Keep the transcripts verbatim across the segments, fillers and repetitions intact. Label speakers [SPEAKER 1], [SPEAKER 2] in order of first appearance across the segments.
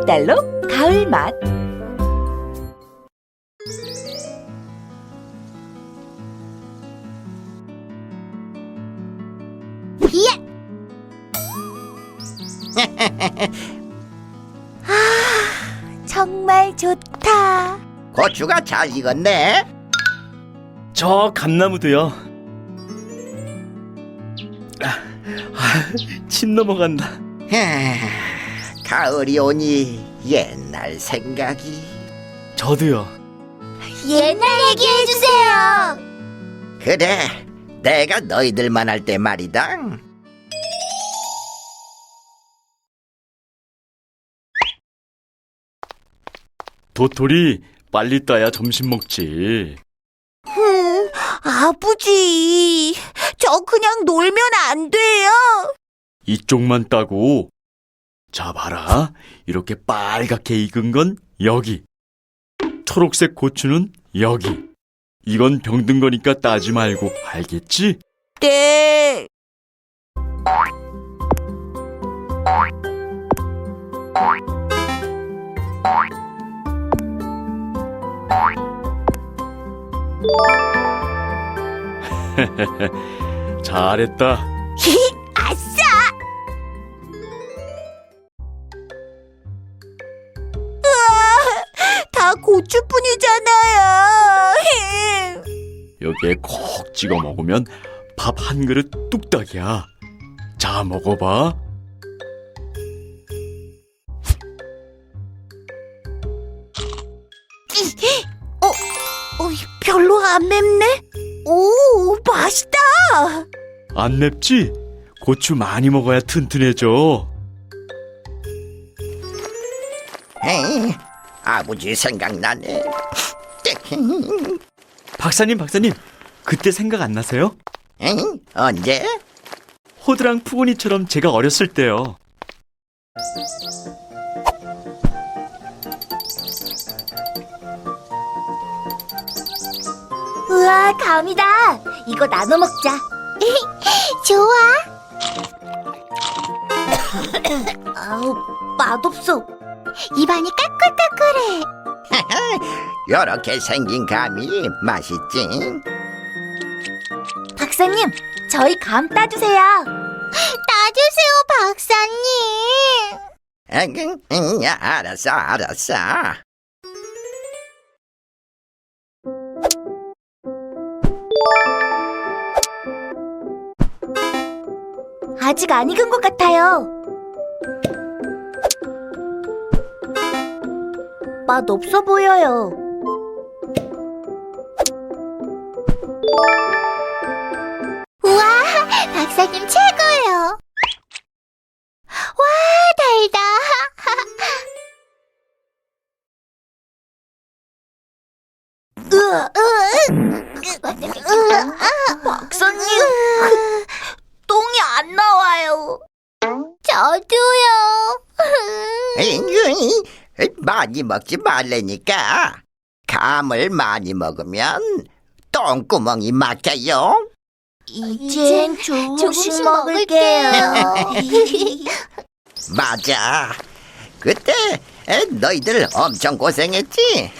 [SPEAKER 1] 달로 가을맛.
[SPEAKER 2] 예! 아, 정말 좋다.
[SPEAKER 3] 고추가 잘 익었네.
[SPEAKER 4] 저 감나무도요. 아, 아, 침 넘어간다.
[SPEAKER 3] 하, 가을이 오니 옛날 생각이.
[SPEAKER 4] 저도요.
[SPEAKER 2] 옛날 얘기해주세요.
[SPEAKER 3] 그래, 내가 너희들만 할 때 말이다.
[SPEAKER 4] 도토리, 빨리 따야 점심 먹지.
[SPEAKER 2] 흠, 아버지, 저 그냥 놀면 안 돼요?
[SPEAKER 4] 이쪽만 따고. 자, 봐라. 이렇게 빨갛게 익은 건 여기. 초록색 고추는 여기. 이건 병든 거니까 따지 말고, 알겠지?
[SPEAKER 2] 네.
[SPEAKER 4] 잘했다.
[SPEAKER 2] 아싸! 으아, 다 고추뿐이잖아요.
[SPEAKER 4] 여기에 콕 찍어 먹으면 밥 한 그릇 뚝딱이야. 자, 먹어봐.
[SPEAKER 2] 어, 어, 별로 안 맵네? 오, 맛있다!
[SPEAKER 4] 안 맵지? 고추 많이 먹어야 튼튼해져.
[SPEAKER 3] 에이, 아버지 생각나네.
[SPEAKER 4] 박사님, 박사님. 그때 생각 안 나세요?
[SPEAKER 3] 에이, 언제?
[SPEAKER 4] 호드랑 푸근이처럼 제가 어렸을 때요.
[SPEAKER 2] 우와, 감이다. 이거 나눠 먹자. 좋아. 아우, 맛없어. 입안이 까끌까끌해.
[SPEAKER 3] 요렇게 생긴 감이 맛있지.
[SPEAKER 2] 박사님, 저희 감 따주세요. 따주세요, 박사님.
[SPEAKER 3] 응, 응, 야, 알았어, 알았어.
[SPEAKER 2] 아직 안 익은 것 같아요. 맛 없어 보여요. 우와, 박사님 최고예요. 와, 달다. 으아, 으아, 으아, 박사님, 똥이 안 나와요. 저도요.
[SPEAKER 3] 에이, 많이 먹지 말라니까. 감을 많이 먹으면 똥구멍이 막혀요.
[SPEAKER 2] 이젠 조금씩 먹을게요.
[SPEAKER 3] 맞아. 그때 에, 너희들 엄청 고생했지?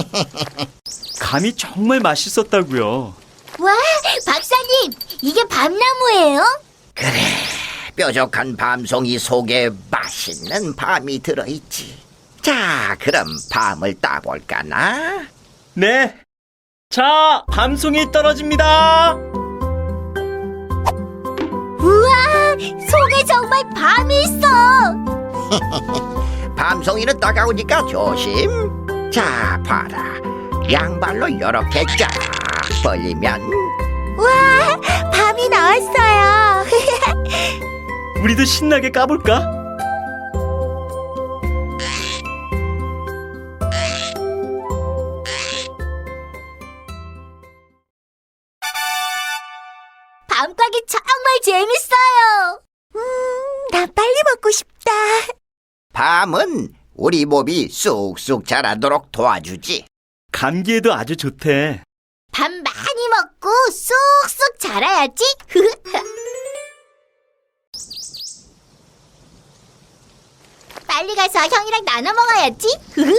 [SPEAKER 4] 감이 정말 맛있었다고요.
[SPEAKER 2] 와, 박사님, 이게 밤나무예요?
[SPEAKER 3] 그래, 뾰족한 밤송이 속에 맛있는 밤이 들어있지. 자, 그럼 밤을 따볼까나?
[SPEAKER 4] 네. 자, 밤송이 떨어집니다.
[SPEAKER 2] 우와, 속에 정말 밤이 있어.
[SPEAKER 3] 밤송이는 따가우니까 조심. 자, 봐라. 양발로 이렇게 쫙 벌리면
[SPEAKER 2] 우와, 밤이 나왔어요.
[SPEAKER 4] 우리도 신나게 까볼까?
[SPEAKER 2] 밤까기 정말 재밌어요. 음, 나 빨리 먹고 싶다.
[SPEAKER 3] 밤은 우리 몸이 쑥쑥 자라도록 도와주지.
[SPEAKER 4] 감기에도 아주 좋대.
[SPEAKER 2] 밥 많이 먹고 쑥쑥 자라야지. 빨리 빨리 가서 형이랑 나눠 먹어야지.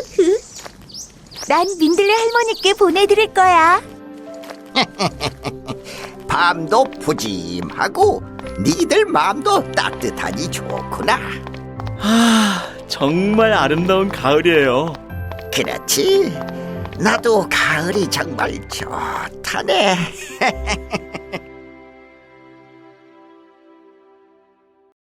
[SPEAKER 1] 난 민들레 할머니께 보내드릴 거야.
[SPEAKER 3] 밤도 푸짐하고 니들 마음도 따뜻하니 좋구나.
[SPEAKER 4] 아, 정말 아름다운 가을이에요.
[SPEAKER 3] 그렇지. 나도 가을이 정말 좋다네.